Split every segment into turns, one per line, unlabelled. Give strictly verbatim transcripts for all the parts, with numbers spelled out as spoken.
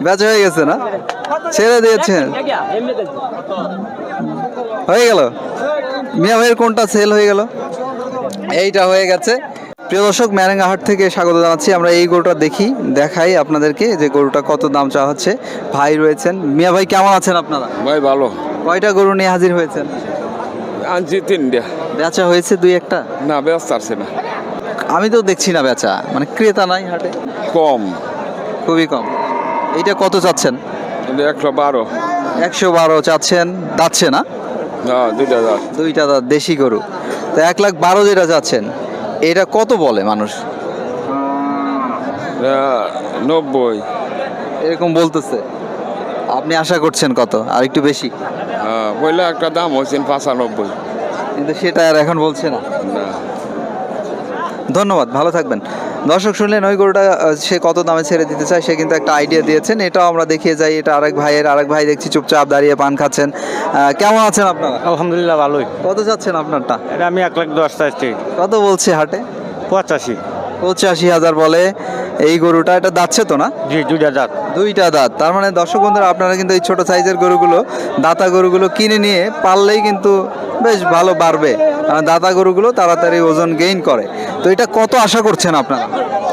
বেচা হয়ে গেছে না, ছেড়ে দিয়েছেন, হয়ে গেল। মিয়া ভাইয়ের কোনটা সেল হয়ে গেল? এইটা হয়ে গেছে। প্রিয় দর্শক, ম্যারেঙ্গা হাট থেকে স্বাগত জানাচ্ছি। আমরা এই গরুটা দেখি, দেখাই আপনাদেরকে যে গরুটা কত দাম চাওয়া হচ্ছে। ভাই রয়েছেন। মিয়া ভাই কেমন আছেন আপনারা?
ভাই ভালো।
কয়টা গরু নিয়ে হাজির হয়েছেন?
আনছি তিনটা।
বেচা হয়েছে দুই একটা?
না ব্যস্ত আছে না,
আমি তো দেখছি না বেচা, মানে ক্রেতা নাই হাটে,
কম।
খুবই কম। এইটা কত চাচ্ছেন?
একশো বারো।
একশো বারো চাচ্ছেন, দাচ্ছে না?
হ্যাঁ দুইটা দাঁত।
দুইটা দাঁত দেশি গরু। তো এক লাখ বারো যেটা চাচ্ছেন, এটা কত বলে মানুষ?
নব্বই
এরকম বলতেছে। আপনি আশা করছেন কত? আর একটু বেশি?
হ্যাঁ পয়লা একটা দাম হয়েছেন পঁচানব্বই,
কিন্তু সেটা আর এখন বলছে না।
না।
ধন্যবাদ, ভালো থাকবেন। দর্শক শুনলেন ওই গরুটা আহ, সে কত দামে ছেড়ে দিতে চায়, সে কিন্তু একটা আইডিয়া দিয়েছেন। এটাও আমরা দেখিয়ে যাই। এটা আরেক ভাইয়ের, আরেক ভাই দেখছি চুপচাপ দাঁড়িয়ে পান খাচ্ছেন। আহ, কেমন আছেন আপনারা?
আলহামদুলিল্লাহ ভালোই।
কত চাচ্ছেন আপনারটা?
এটা আমি এক লাখ দশ চাইছি।
কত বলছে হাটে?
পঁচাশি।
পঁচাশি হাজার বলে এই গরুটা। এটা যাচ্ছে তো না?
জি দুইটা দাঁত।
দুইটা দাঁত। তার মানে দর্শক বন্ধুরা, আপনারা কিন্তু এই ছোট সাইজের গরুগুলো, দাতা গরুগুলো কিনে নিয়ে পাললেই কিন্তু বেশ ভালো বাড়বে। কারণ দাতা গরুগুলো তাড়াতাড়ি ওজন গেইন করে। তো এটা কত আশা করছেন আপনারা?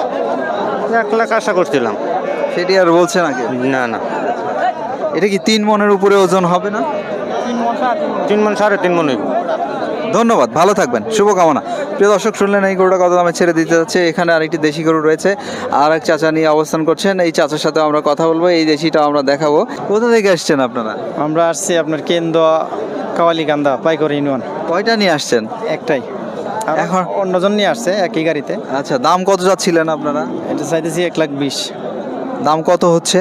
এক লাখ আশা করছিলাম।
সেটি আর বলছে নাকি?
না না,
এটা কি তিন মনের উপরে ওজন হবে না?
তিন মন সাড়ে তিন মন হইব।
ধন্যবাদ, ভালো থাকবেন, শুভকামনা। প্রিয় দর্শক শুনলেন এই গরুটা কত দামে ছেড়ে দিতে যাচ্ছে। এখানে আরেকটি দেশি গরু রয়েছে, আর এক চাচা নিয়ে অবস্থান করছেন। এই চাচার সাথে আমরা কথা বলবো, এই দেশিটা আমরা দেখাবো। কোথা থেকে আসছেন আপনারা?
আমরা আসছি আপনার কেন্দ্র কাওয়ালিকান্দা পাইকর ইউনিয়ন।
কয়টা নিয়ে আসছেন?
একটাই। আর
এখন?
অন্যজন নিয়ে আসছে একই গাড়িতে।
আচ্ছা, দাম কত যাচ্ছিলেন আপনারা?
এটা চাইতেছি এক লাখ বিশ।
দাম কত হচ্ছে?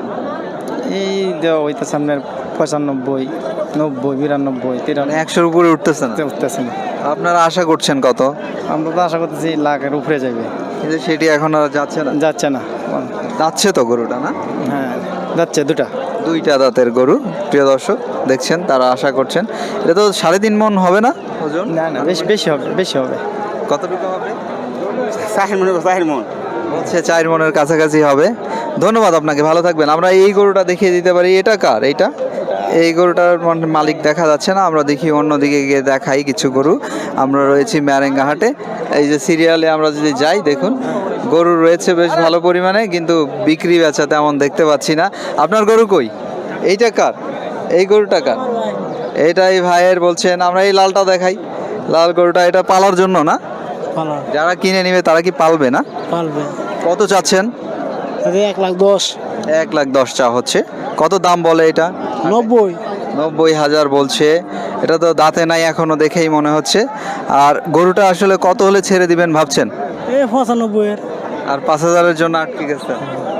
এই দেওয়া হইতেছে আপনার পঁচানব্বই, নব্বই, বিরানব্বই, তিরানব্বই,
একশোর উপরে উঠতেছে না?
উঠতেছে না।
আপনারা আশা করছেন কত?
আমরা তো আশা করতেছি লাখের উপরে যাবে।
কিন্তু সেটি এখন আর যাচ্ছে না।
যাচ্ছে না।
যাচ্ছে তো গরুটা, না?
হ্যাঁ যাচ্ছে দুটা।
দুইটা দাঁতের গরু। প্রিয় দর্শক দেখছেন, তারা আশা করছেন। এটা তো সাড়ে তিন মন হবে না ওজন?
না না, বেশি বেশি হবে, বেশি হবে।
কতটুকু হবে?
চার মন চার মন
বলছে চার মনের কাছাকাছি হবে। ধন্যবাদ আপনাকে, ভালো থাকবেন। আমরা এই গরুটা দেখিয়ে দিতে পারি। এটা কার? এইটা এই গরুটার মানে মালিক দেখা যাচ্ছে না। আমরা দেখি অন্যদিকে গিয়ে দেখাই কিছু গরু। আমরা রয়েছি ম্যারেঙ্গা হাটে। এই যে সিরিয়ালে আমরা যদি যাই, দেখুন গরু রয়েছে বেশ ভালো পরিমাণে, কিন্তু বিক্রি বেচা তেমন দেখতে পাচ্ছি না। আপনার গরু কই? এইটা কার? এই গরুটা কার? এইটাই ভাইয়ের বলছেন। আমরা এই লালটা দেখাই। লাল গরুটা এটা পালার জন্য না? যারা কিনে নিবে তারা কি পালবে না?
পালবে।
কত চাচ্ছেন?
এক লাখ দশ।
এক লাখ দশ চা হচ্ছে। কত দাম বলে এটা?
নব্বই।
নব্বই হাজার বলছে। এটা তো দাঁতে নাই এখনো, দেখেই মনে হচ্ছে। আর গরুটা আসলে কত হলে ছেড়ে দিবেন ভাবছেন?
এই পঁচানব্বই এর।
আর পাঁচ হাজারের জন্য আটকে গেছে।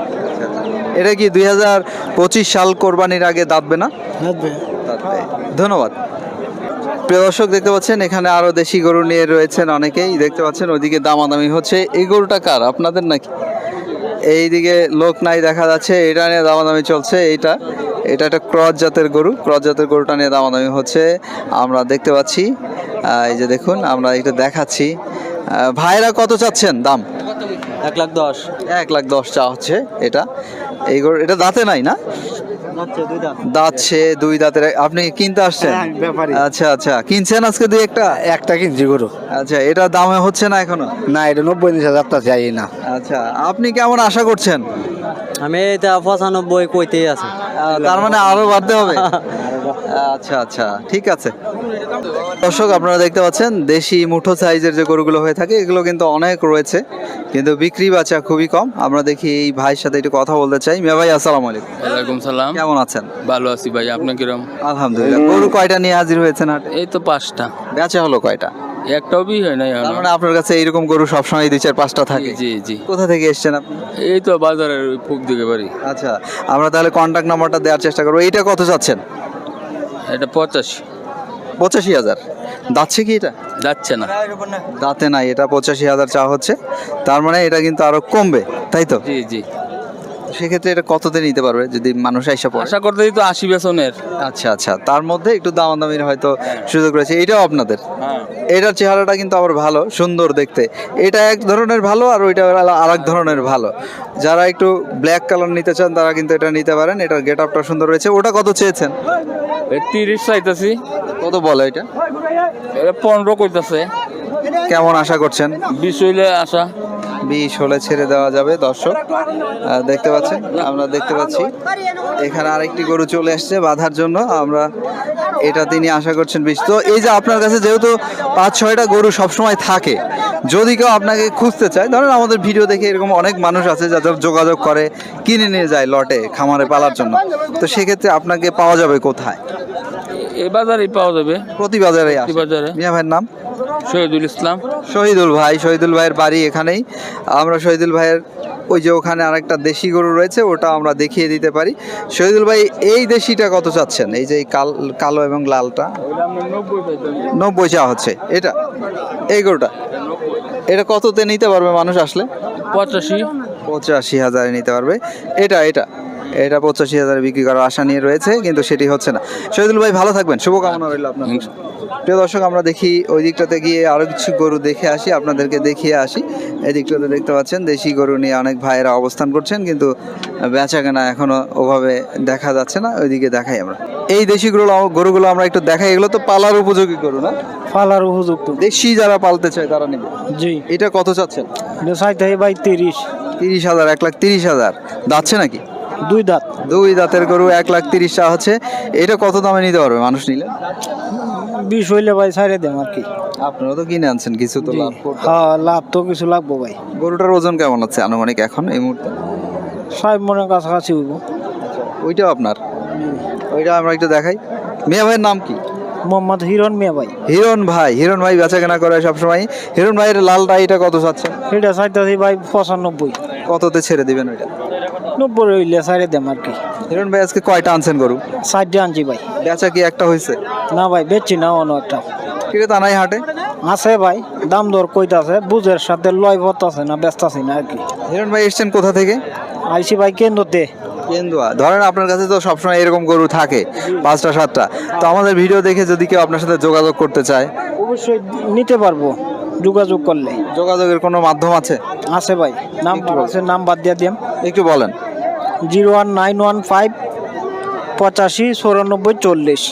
এটা কি দুই হাজার পঁচিশ সাল কোরবানির আগে দাঁতবে না?
লাগবে।
দাঁতবে। ধন্যবাদ। প্রিয় দর্শক দেখতে পাচ্ছেন, এখানে আরো দেশি গরু নিয়ে রয়েছেন অনেকেই দেখতে পাচ্ছেন। ওইদিকে দামাদামি হচ্ছে। এই গরুটা কার? আপনাদের নাকি? এইদিকে লোক নাই দেখা যাচ্ছে, এটা নিয়ে দামাদামি চলছে। এইটা এটা একটা ক্রস জাতের গরু। ক্রস জাতের গরুটা নিয়ে দামাদামি হচ্ছে, আমরা দেখতে পাচ্ছি। আহ, এই যে দেখুন, আমরা এটা দেখাচ্ছি। আহ, ভাইরা কত চাচ্ছেন দাম?
এক লাখ দশ।
এক লাখ দশ চা হচ্ছে এটা। এই গরু এটা দাঁতে নাই না? দাঁতছে দুই দাঁতের। আপনি কিনতে আসছেন? আচ্ছা আচ্ছা, কিনছেন আজকে দুই একটা?
একটা কিনছি গরু।
আচ্ছা, এটা দামে হচ্ছে না এখনো?
না, এটা নব্বই হাজার টা চাই না।
আচ্ছা, আপনি কেমন আশা করছেন?
আমি এটা পঁচানব্বই কইতেই আছে।
আহ, তার মানে আরো বাড়তে হবে। আচ্ছা আচ্ছা, ঠিক আছে। দর্শক আপনারা দেখতে পাচ্ছেন, দেশি মুঠো সাইজের যে গরুগুলো হয়ে থাকে এগুলো কিন্তু অনেক রয়েছে, কিন্তু বিক্রি বাচা খুবই কম। আমরা দেখি এই ভাইয়ের সাথে একটু কথা বলতে চাই। মিয়া ভাই আসসালামু আলাইকুম।
ওয়ালাইকুম সালাম।
কেমন আছেন?
ভালো আছি ভাই, আপনি কিরম?
আলহামদুলিল্লাহ। গরু কয়টা নিয়ে হাজির হয়েছেন হাটে?
এই তো পাঁচটা।
বেচা হলো কয়টা?
একটাও বি হয় নাই
তার
এখনো।
মানে আপনার কাছে এইরকম গরু সবসময় দুই চার পাঁচটা থাকে?
জি জি।
কোথা থেকে এসেছেন আপনি?
এই তো বাজারের ওই ফুক দিকে বাড়ি।
আচ্ছা, আমরা তাহলে কন্ট্যাক্ট নাম্বারটা দেওয়ার চেষ্টা করবো। এইটা কত চাচ্ছেন?
এটা পঁচাশি।
পঁচাশি হাজার। দাচ্ছে কি এটা?
যাচ্ছে না।
দাঁতে নাই, এটা পঁচাশি হাজার চা হচ্ছে। তার মানে এটা কিন্তু আরো কমবে, তাই তো?
জি জি।
সেক্ষেত্রে এটা কততে নিতে পারবে যদি মানুষ আইসা পড়ে?
আশা করতেই তো আশি বেতনের।
আচ্ছা আচ্ছা, তার মধ্যে একটু দামাদামির হয়তো সুযোগ রয়েছে। এটাও আপনাদের?
হ্যাঁ।
এটার চেহারাটা কিন্তু আবার ভালো, সুন্দর দেখতে। এটা এক ধরনের ভালো আর ওইটা আর এক ধরনের ভালো। যারা একটু ব্ল্যাক কালার নিতে চান তারা কিন্তু এটা নিতে পারেন। এটার গেট আপটা সুন্দর রয়েছে। ওটা কত চেয়েছেন?
এই তিরিশ চাইতেছি।
কত বলে এটা?
এটা পনেরো কইতাছে।
কেমন আশা করছেন?
বিশ হইলে আশা।
বিষ হলে ছেড়ে দেওয়া যাবে। দর্শক আহ, দেখতে পাচ্ছেন, আমরা দেখতে পাচ্ছি এখানে আরেকটি গরু চলে আসছে বাঁধার জন্য। আমরা এটা তিনি আশা করছেন বিষ। তো এই যে আপনার কাছে যেহেতু পাঁচ ছয়টা গরু সবসময় থাকে, যদি কেউ আপনাকে খুঁজতে চায়, ধরেন আমাদের ভিডিও দেখে এরকম অনেক মানুষ আছে যারা যোগাযোগ করে কিনে নিয়ে যায় লটে খামারে পালার জন্য, তো সেক্ষেত্রে আপনাকে পাওয়া যাবে কোথায়?
এই বাজারেই পাওয়া যাবে।
প্রতি বাজারে আসে।
প্রতি বাজারে।
মিয়া ভাইয়ের নাম?
শহীদুল ইসলাম।
শহীদুল ভাই, শহীদুল ভাইয়ের বাড়ি এখানেই। আমরা শহীদুল ভাইয়ের ওই যে ওখানে আরেকটা দেশি গরু রয়েছে, ওটা আমরা দেখিয়ে দিতে পারি। শহীদুল ভাই, এই দেশিটা কত চাচ্ছেন? এই যে এই কাল কালো এবং লালটা নব্বই চা হচ্ছে। এটা এই গরুটা এটা কততে নিতে পারবে মানুষ আসলে?
পঁচাশি।
পঁচাশি হাজারে নিতে পারবে। এটা এটা এটা পঁচাশি হাজারে বিক্রি করার আশা নিয়ে রয়েছে, কিন্তু সেটি হচ্ছে না। শহীদুল ভাই ভালো থাকবেন, শুভকামনা রইল আপনার। প্রিয় দর্শক, আমরা দেখি ওই দিকটাতে গিয়ে আরো কিছু গরু দেখে আসি, আপনাদেরকে দেখিয়ে আসি। এই দিকটাতে দেখতে পাচ্ছেন দেশি গরু নিয়ে অনেক ভাইয়েরা অবস্থান করছেন, কিন্তু বেচা কেনা এখনো ওভাবে দেখা যাচ্ছে না। ওইদিকে দেখাই আমরা এই দেশি গরু গরুগুলো আমরা একটু দেখাই। এগুলো তো পালার উপযোগী গরু না?
পালার উপযুক্ত।
দেশি যারা পালতে চায় তারা নেবে।
জি।
এটা কত চাচ্ছেন?
চাইতে ভাই তিরিশ।
তিরিশ হাজার এক লাখ তিরিশ হাজার দাচ্ছে নাকি?
দুই দাঁত।
দুই দাঁতের গরু এক লাখ তিরিশ টাকা হচ্ছে। এটা কত দামে নিতে পারবে মানুষ নিলে?
বিশ হইলে ভাই ছাড়ে দেম আর কি।
আপনারা তো কিনে আনছেন, কিছু তো লাভ করতে।
হ্যাঁ, লাভ তো কিছু লাগবো ভাই।
গরুটার ওজন কেমন আছে আনুমানিক এখন এই মুহূর্তে?
সাহেব মনের কাছাকাছি হইব।
ওইটাও আপনার? ওইটা আমরা একটু দেখাই। মিয়া ভাইয়ের নাম কি?
মোহাম্মদ হিরণ মিয়া ভাই।
হিরণ ভাই। হিরণ ভাই বেচা কেনা করে সবসময়। হিরণ ভাইয়ের লালটা এটা কত চাচ্ছেন?
এটা চাইতেছি ভাই পঁচানব্বই।
কততে ছেড়ে দিবেন ওইটা?
নব্বই হইলে ছাড়ে দেম আর কি।
হিরণ ভাই আজকে কয়টা আনছেন গরু?
চারটে আনছি ভাই।
বেচা কি একটা হয়েছে?
না ভাই, বেচছি না অন্য একটা।
কিরে তা নাই হাটে?
আছে ভাই, দাম দর কইতাছে, বুঝের সাথে লয় আছে না, ব্যস্ত আছি না আর কি।
হিরণ ভাই এসছেন কোথা থেকে?
আইসি ভাই কেন্দ্রতে।
কেন্দুয়া। ধরেন আপনার কাছে তো সবসময় এরকম গরু থাকে পাঁচটা সাতটা, তো আমাদের ভিডিও দেখে যদি কেউ আপনার সাথে যোগাযোগ করতে চায়?
অবশ্যই নিতে পারবো যোগাযোগ করলে।
যোগাযোগের কোনো মাধ্যম আছে?
আছে ভাই, নাম্বার আছে, নাম্বার দিয়ে দিয়াম।
একটু বলেন।
Zero one nine one five পঁচাশি চৌরানব্বই চল্লিশ।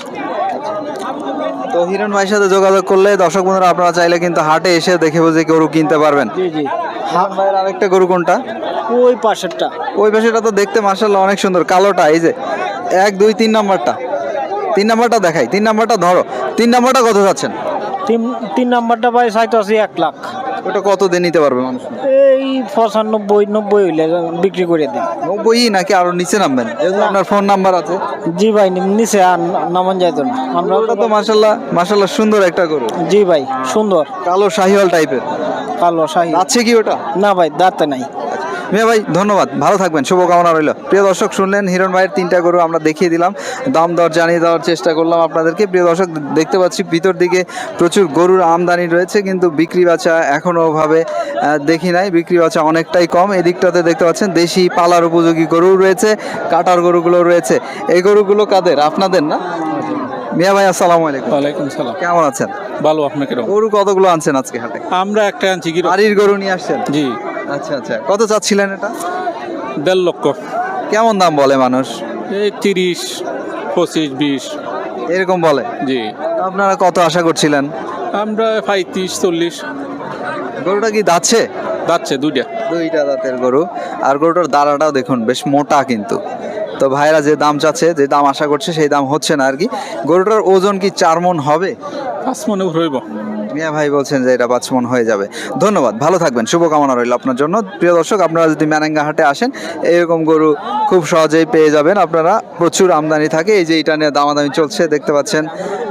তো হিরণ ভাইয়ের সাথে যোগাযোগ করলে দর্শক বন্ধুরা আপনারা চাইলে কিন্তু হাটে এসে দেখে বুঝে গরু কিনতে পারবেন।
জি জি।
হিরণ ভাইয়ের আরেকটা গরু কোনটা?
ওই পাশেরটা।
ওই পাশেটা তো দেখতে মাশাআল্লাহ অনেক সুন্দর, কালোটা। এই যে এক দুই তিন নাম্বারটা, তিন নাম্বারটা দেখাই। তিন নাম্বারটা ধরো। তিন নাম্বারটা কত যাচ্ছেন?
তিন তিন নাম্বারটা ভাই চাইতেছি এক লাখ।
ওটা কত দিয়ে নিতে পারবে মানুষ?
এই পঁচানব্বই নব্বই হইলে বিক্রি করে দেন।
নব্বই নাকি আরো নিচে নামবেন? যেহেতু আপনার ফোন নাম্বার আছে।
জি ভাই, নিচে আর নামান যাইতো না। আমরা
ওটা তো মাশাআল্লাহ মাশাআল্লাহ সুন্দর একটা গরু।
জি ভাই, সুন্দর
কালো শাহিওয়াল টাইপের।
কালো শাহী।
আছে কি ওটা?
না ভাই, দাঁতে নাই।
মিয়া ভাই ধন্যবাদ, ভালো থাকবেন, শুভকামনা রইল। প্রিয় দর্শক, শুনলেন হিরণ ভাইয়ের তিনটা গরু আমরা দেখিয়ে দিলাম, দাম দর জানিয়ে দেওয়ার চেষ্টা করলাম আপনাদেরকে। প্রিয় দর্শক, দেখতে পাচ্ছি ভিতর দিকে প্রচুর গরুর আমদানি রয়েছে, কিন্তু বিক্রি বাচা এখনও ওভাবে আহ, দেখি নাই। বিক্রি বাচা অনেকটাই কম। এদিকটাতে দেখতে পাচ্ছেন দেশি পালার উপযোগী গরু রয়েছে, কাটার গরুগুলো রয়েছে। এই গরুগুলো কাদের? আপনাদের না? মিয়া ভাই আসসালামু আলাইকুম।
ওয়ালাইকুম সালাম।
কেমন আছেন?
ভালো, আপনাকে রকম।
গরু কতগুলো আনছেন আজকে হাটে?
আমরা একটা আনছি কি
বাড়ির গরু নিয়ে আসছেন?
জি,
আচ্ছা আচ্ছা, কত চাচ্ছিলেন এটা?
দেড় লক্ষ।
কেমন দাম বলে মানুষ?
এই তিরিশ পঁচিশ বিশ
এরকম বলে?
জি।
আপনারা কত আশা করছিলেন?
আমরা পঁয়ত্রিশ চল্লিশ।
গরুটা কি দাচ্ছে?
যাচ্ছে দুইটা।
দুইটা দাঁতের গরু। আর গরুটার দাঁড়াটাও দেখুন বেশ মোটা কিন্তু। তো ভাইরা যে দাম চাচ্ছে, যে দাম আশা করছে সেই দাম হচ্ছে না আর কি। গরুটার ওজন কি চার মন হবে?
পাঁচ মনে হইব।
মিয়া ভাই বলছেন যে এটা পাঁচ মন হয়ে যাবে। ধন্যবাদ, ভালো থাকবেন, শুভকামনা রইল আপনার জন্য। প্রিয় দর্শক, আপনারা যদি ম্যানেঙ্গা হাটে আসেন, এরকম গরু খুব সহজেই পেয়ে যাবেন আপনারা। প্রচুর আমদানি থাকে। এই যে এটা নিয়ে দামাদামি চলছে, দেখতে পাচ্ছেন।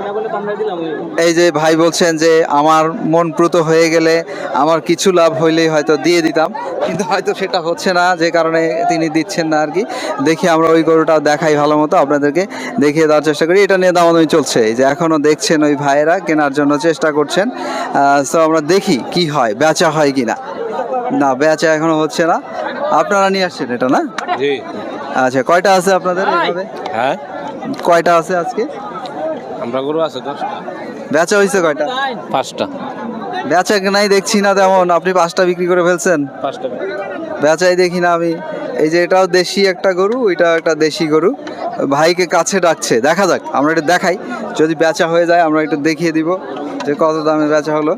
এই যে ভাই বলছেন যে আমার মন প্রত হয়ে গেলে আমার কিছু লাভ হইলেই হয়তো দিয়ে দিতাম, কিন্তু হয়তো সেটা হচ্ছে না, যে কারণে তিনি দিচ্ছেন না আর কি। দেখি আমরা ওই গরুটা দেখাই ভালো মতো, আপনাদেরকে দেখিয়ে দেওয়ার চেষ্টা করি। এটা নিয়ে দামাদামি চলছে, এই যে এখনো দেখছেন ওই ভাইয়েরা কেনার জন্য চেষ্টা করছেন। তো আমরা দেখি কি হয়, বেচা হয় কিনা। না, বেচা এখনো হচ্ছে না। আপনারা নিয়ে আসছেন এটা না?
জি
আচ্ছা, কয়টা আছে আপনাদের এভাবে?
হ্যাঁ
কয়টা আছে আজকে?
আমরা গরু আছে দশটা
বেচা হয়েছে কয়টা?
পাঁচটা
বেচা নাই দেখছি না তেমন, আপনি পাঁচটা বিক্রি করে ফেলছেন।
পাঁচটা
বেচাই দেখি না আমি। এই যে এটাও দেশি একটা গরু, ওইটাও একটা দেশি গরু। ভাইকে কাছে ডাকছে, দেখা যাক, আমরা একটু দেখাই। যদি বেচা হয়ে যায় আমরা একটু দেখিয়ে দিব যে কত দামে বেচা হলো।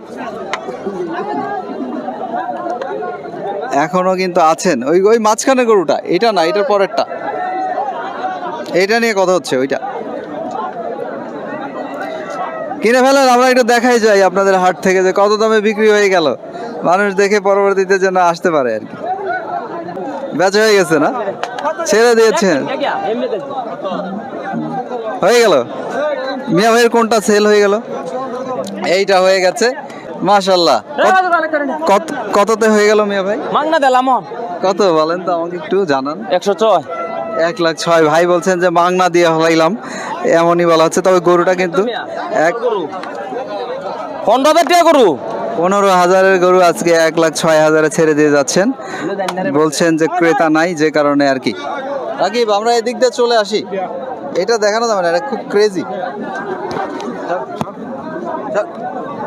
এখনো কিন্তু আছেন ওই ওই মাঝখানে গরুটা, এটা না, এটার পরেরটা, এইটা নিয়ে কথা হচ্ছে। ওইটা কিনে ফেলেন, আমরা একটু দেখাই যাই আপনাদের হাট থেকে যে কত দামে বিক্রি হয়ে গেল, মানুষ দেখে পরবর্তীতে যেন আসতে পারে আর কি। বেচা হয়ে গেছে না, ছেড়ে দিয়েছেন, হয়ে গেল। মিয়া ভাইয়ের কোনটা সেল হয়ে গেল? এইটা হয়ে গেছে, মাশাল্লাহ। কত কততে হয়ে গেল মিয়া ভাই?
মাংনা দিলাম
কত বলেন তো আমাকে একটু জানান।
একশো ছয়।
এক লাখ ছয়। ভাই বলছেন যে মাংনা দিয়ে হলাইলাম, এমনই বলা হচ্ছে। তবে গরুটা কিন্তু এক
পনেরো হাজার টাকা গরু।
পনেরো হাজারের গরু আজকে এক লাখ ছয় হাজারে ছেড়ে দিয়ে যাচ্ছেন। বলছেন যে ক্রেতা নাই, যে কারণে আর কি। রাকিব, আমরা এদিক দিয়ে চলে আসি, এটা দেখানো যাবে না, এটা খুব ক্রেজি।